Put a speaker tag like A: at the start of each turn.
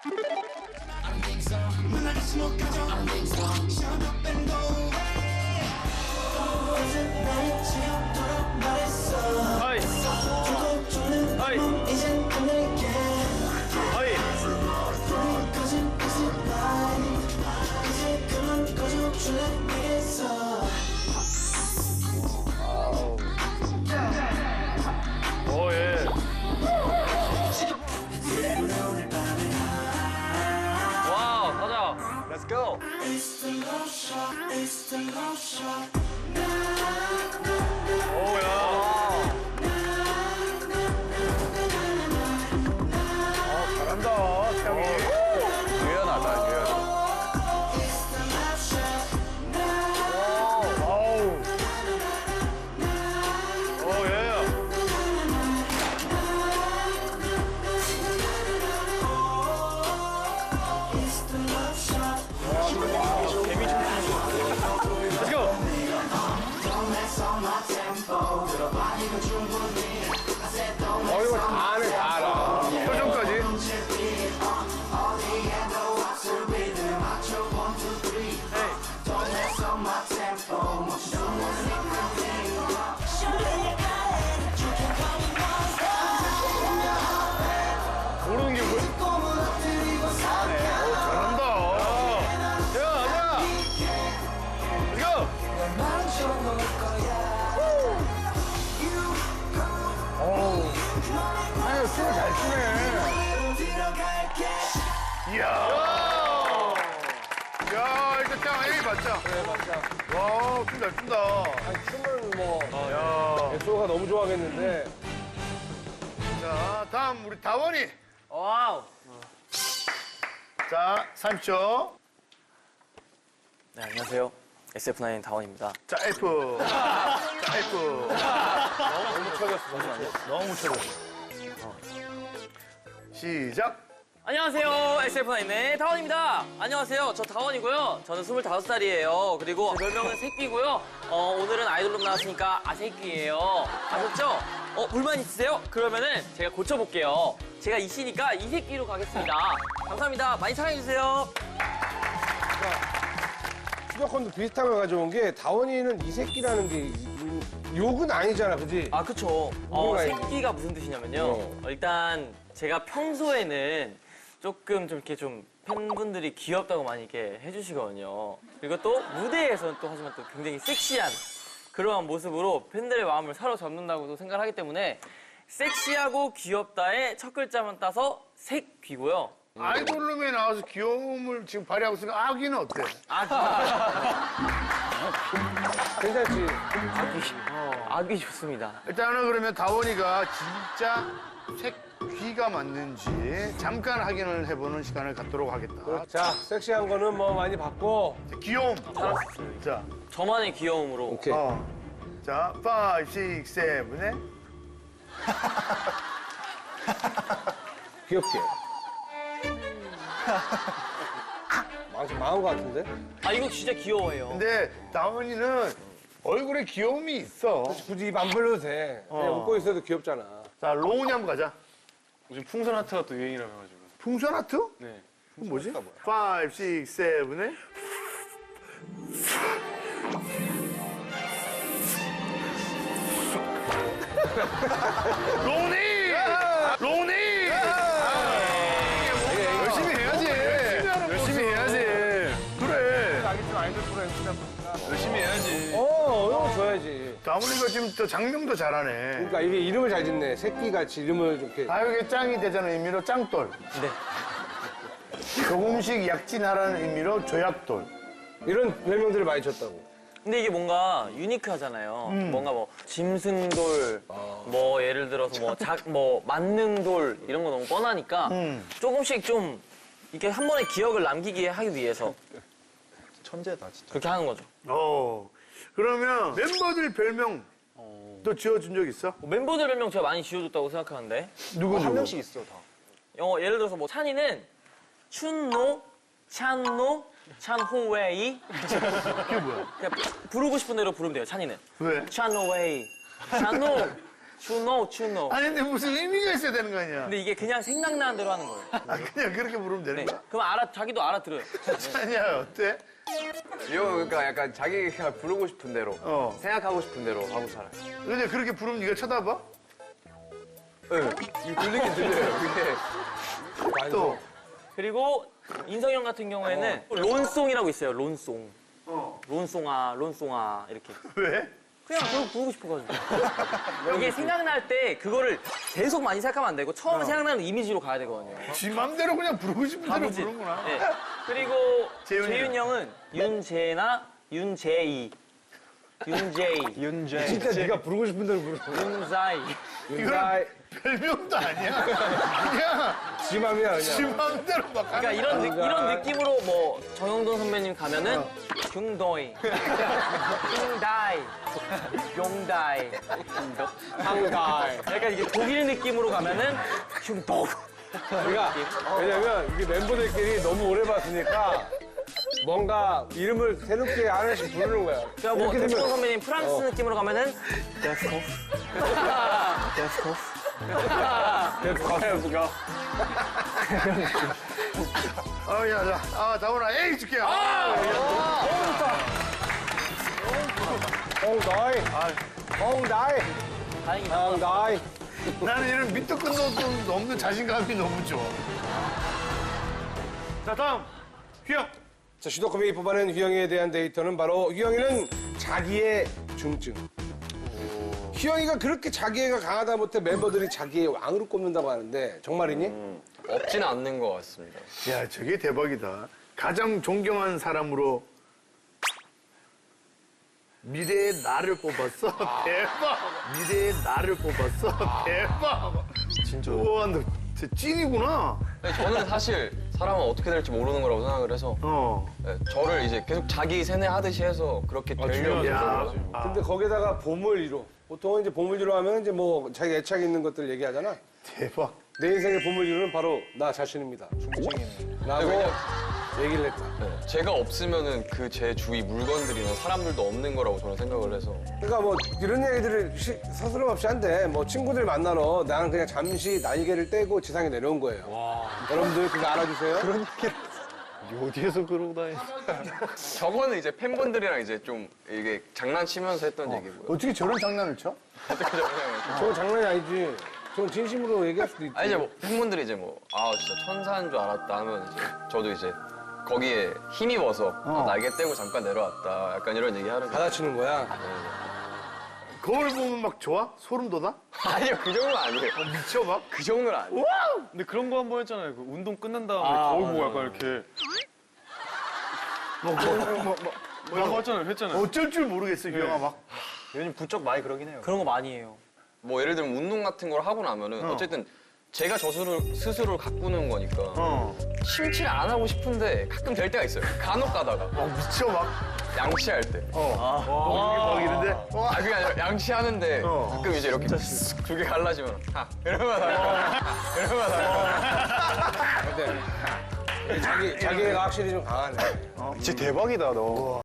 A: 하이. 하이. 하이. 오, 예. 와우, 가자. Let's go. 오야. 잘한다, 태영이. 유연하다, 유연. 아우. 오, 예. 재미 좀. Let's go.
B: 이거 다 아네, 다 알아.
A: 표정까지. 모르는 게 뭐야? 잘한다. 야, 가자. Let's go.
B: 아니, 춤을 잘 추네.
A: 이야. 야, 이거 짱 에이 맞자.
B: 그래, 맞아.
A: 와, 춤 잘 춘다.
B: 아니, 춤을 뭐,
A: 야.
B: 예소가 너무 좋아하겠는데.
A: 자, 다음 우리 다원이.
C: 와우.
A: 자, 30초.
C: 네, 안녕하세요. SF9 다원입니다.
A: 자, F. 자, F.
B: 너무 쳐졌어,
C: 잠시만요.
A: 너무 쳐졌어. 시작.
C: 안녕하세요. SF9의 다원입니다. 안녕하세요. 저 다원이고요. 저는 25살이에요. 그리고 제 별명은 새끼고요. 오늘은 아이돌로 나왔으니까 아새끼예요. 아셨죠? 불만 있으세요? 그러면은 제가 고쳐볼게요. 제가 이씨니까 이새끼로 가겠습니다. 감사합니다. 많이 사랑해주세요.
B: 추적권도 비슷한 걸 가져온 게, 다원이는 이 새끼라는 게 욕은 아니잖아, 그지?
C: 아, 그쵸.
B: 뭐가
C: 새끼가 무슨 뜻이냐면요. 일단 제가 평소에는 조금 좀 이렇게 좀 팬분들이 귀엽다고 많이 이렇게 해주시거든요. 그리고 또 무대에서는 또 하지만 또 굉장히 섹시한 그러한 모습으로 팬들의 마음을 사로잡는다고도 생각을 하기 때문에 섹시하고 귀엽다의 첫 글자만 따서 색귀고요.
A: 아이돌룸에 나와서 귀여움을 지금 발휘하고 있으니까 아기는 어때?
B: 괜찮지?
C: 아귀 좋습니다.
A: 일단은 그러면 다원이가 진짜 색귀가 맞는지 잠깐 확인을 해보는 시간을 갖도록 하겠다.
B: 자, 섹시한 거는 뭐 많이 봤고.
A: 귀여움. 자,
C: 저만의 귀여움으로.
B: 오케이.
A: 자, 5, 6, 7, 8.
B: 귀엽게. 망한 거 같은데?
C: 아, 이거 진짜 귀여워해요.
A: 근데 다원이는 얼굴에 귀여움이 있어.
B: 굳이 입 안 벌려도 돼. 그냥 웃고 있어도 귀엽잖아.
A: 자, 로운이 한번 가자.
D: 요즘 풍선 하트가 또 유행이라고 해가지고.
A: 풍선 하트?
D: 네.
A: 그건 뭐지? 5, 6, 7, 8. 로운이! 로운이! 열심히 해야지. 열심히 해야지. 그래.
B: 알겠지만 아이돌 프로 MC다 보니까.
D: 열심히 해야지.
B: 이런 거 줘야지.
A: 다원이가 지금 또 장명도 잘하네.
B: 그러니까 이게 이름을 잘 짓네. 새끼같이 이름을 이렇게.
A: 가요계 짱이 되자는 의미로 짱돌.
C: 네.
A: 조금씩 약진하라는 의미로 조약돌.
B: 이런 별명들을 많이 줬다고.
C: 근데 이게 뭔가 유니크하잖아요. 뭔가 뭐 짐승돌, 뭐 예를 들어서 뭐 만능돌 이런 거 너무 뻔하니까 조금씩 좀 이렇게 한 번에 기억을 남기게 하기 위해서
D: 천재다, 진짜.
C: 그렇게 하는 거죠.
A: 그러면 멤버들 별명 또 지어준 적 있어?
C: 멤버들 별명 제가 많이 지어줬다고 생각하는데
A: 누구
D: 한 명씩 있어, 다.
C: 예를 들어서 뭐 찬이는 춘노, 찬노, 찬호웨이
A: 그게 뭐야?
C: 그냥 부르고 싶은 대로 부르면 돼요. 찬이는
A: 왜?
C: 찬호웨이, 찬노, 추노, 추노.
A: 아니 근데 무슨 의미가 있어야 되는 거 아니야?
C: 근데 이게 그냥 생각나는 대로 하는 거예요.
A: 아, 그냥 그렇게 부르면 되는
C: 네.
A: 거야?
C: 그럼 자기도 알아들어요.
A: 아니야 어때?
E: 그러니까 약간 자기가 부르고 싶은 대로, 생각하고 싶은 대로 하고 살아요.
A: 근데 그렇게 부르면 네가 쳐다봐?
E: 네. 이거 들리긴 들려요. 그게.
A: 또
C: 그리고 인성이 형 같은 경우에는 론송이라고 있어요. 론송. 론송아, 론송아 이렇게.
A: 왜?
C: 그냥 그거 부르고 싶어가지고. 이게 생각날 때 그거를 계속 많이 생각하면 안 되고 처음에 생각나는 이미지로 가야 되거든요.
A: 지 맘대로 그냥 부르고 싶은 대로
C: 바보지.
A: 부르는구나.
C: 네. 그리고
A: 재윤이
C: 재윤 형은 윤재나 윤재이. 윤재이.
D: 윤재.
B: 진짜 네가 부르고 싶은 대로 부르.
C: 윤자이.
A: 이건 별명도 아니야. 그냥
B: 지 맘이야
A: 지
B: 그냥.
A: 맘대로 막
C: 그러니까
A: 하는
C: 이런 느낌으로 뭐 정영돈 선배님 가면은 중도이, 킹다이, 용다이,
B: 한가이.
C: 약간 이게 독일 느낌으로 가면은 흉독.
B: 그러니까 왜냐면 이게 멤버들끼리 너무 오래 봤으니까 뭔가 이름을 새롭게 하나씩 부르는 거야.
C: 그러니까 뭐
B: 이렇게
C: 대충
B: 되면
C: 선배님 프랑스 느낌으로 가면은 데스코프, 데스코프.
B: 데프가
A: 야, 다원아, 에이 줄게.
B: 홍다이. 홍다이.
C: 다행이다.
B: 홍다이.
A: 나는 이런 밑도 끝도 없는 자신감이 너무 좋아. 자, 다음 휘영.
B: 자, 슈도컴이 뽑아낸 휘영이에 대한 데이터는 바로 휘영이는 자기의 중증. 휘영이가 그렇게 자기애가 강하다 못해 멤버들이 자기의 왕으로 꼽는다고 하는데 정말이니?
E: 없지는 않는 것 같습니다.
A: 야, 저게 대박이다. 가장 존경한 사람으로 미래의 나를 뽑았어. 대박. 미래의 나를 뽑았어. 대박.
D: 진짜.
A: 우와, 너 진짜 찐이구나.
E: 근데 저는 사실 사람은 어떻게 될지 모르는 거라고 생각을 해서 네, 저를 이제 계속 자기 세뇌하듯이 해서 그렇게 되려고
D: 중요하죠.
E: 노력을 하죠.
B: 근데 거기다가 보물이로. 보통은 이제 보물이로 하면 이제 뭐 자기 애착 있는 것들 얘기하잖아.
A: 대박.
B: 내 인생의 보물이로는 바로 나 자신입니다.
D: 중증이네.
B: 라고
E: 왜냐-
B: 얘기를 했다.
E: 네, 제가 없으면은 그 제 주위 물건들이나 사람들도 없는 거라고 저는 생각을 해서
B: 그러니까 뭐 이런 얘기들을 서스럼 없이 한데 뭐 친구들 만나러 나는 그냥 잠시 날개를 떼고 지상에 내려온 거예요. 여러분들 그거 알아주세요.
D: 어디에서 그러고 다니?
E: 저거는 이제 팬분들이랑 이제 좀 이게 장난치면서 했던 얘기고요.
A: 어떻게 저런 장난을 쳐?
B: 저건 장난이 아니지. 저건 진심으로 얘기할 수도 있지.
E: 아 이제 뭐 팬분들이 이제 뭐 아 진짜 천사인 줄 알았다 하면 이제 저도 이제 거기에 힘입어서 아, 날개 떼고 잠깐 내려왔다 약간 이런 얘기 하는 거.
B: 받아치는 거야.
A: 거울 보면 막 좋아? 소름 돋아?
E: 아니요 그 정도는 아니에요.
A: 미쳐 막?
E: 그 정도는 아니에요.
D: 근데 그런 거 한 번 했잖아요. 그 운동 끝난 다음에 거울 보고 약간 이렇게. 뭐라고 했잖아요. 했잖아요.
A: 어쩔 줄 모르겠어, 휘영아 막.
D: 요즘 부쩍 많이 그러긴 해요.
C: 그런 거 많이 해요.
E: 뭐 예를 들면 운동 같은 걸 하고 나면은 어쨌든 제가 저 스스로를 가꾸는 거니까 심취를 안 하고 싶은데 가끔 될 때가 있어요. 간혹 가다가
A: 미쳐 막.
E: 양치할 때.
A: 막 이런데.
E: 아 그게 아니라 양치하는데 가끔 이제 이렇게 두 개 갈라지면 이러면
B: 근데 자기애가 확실히 좀 강하네.
D: 진짜 대박이다, 너.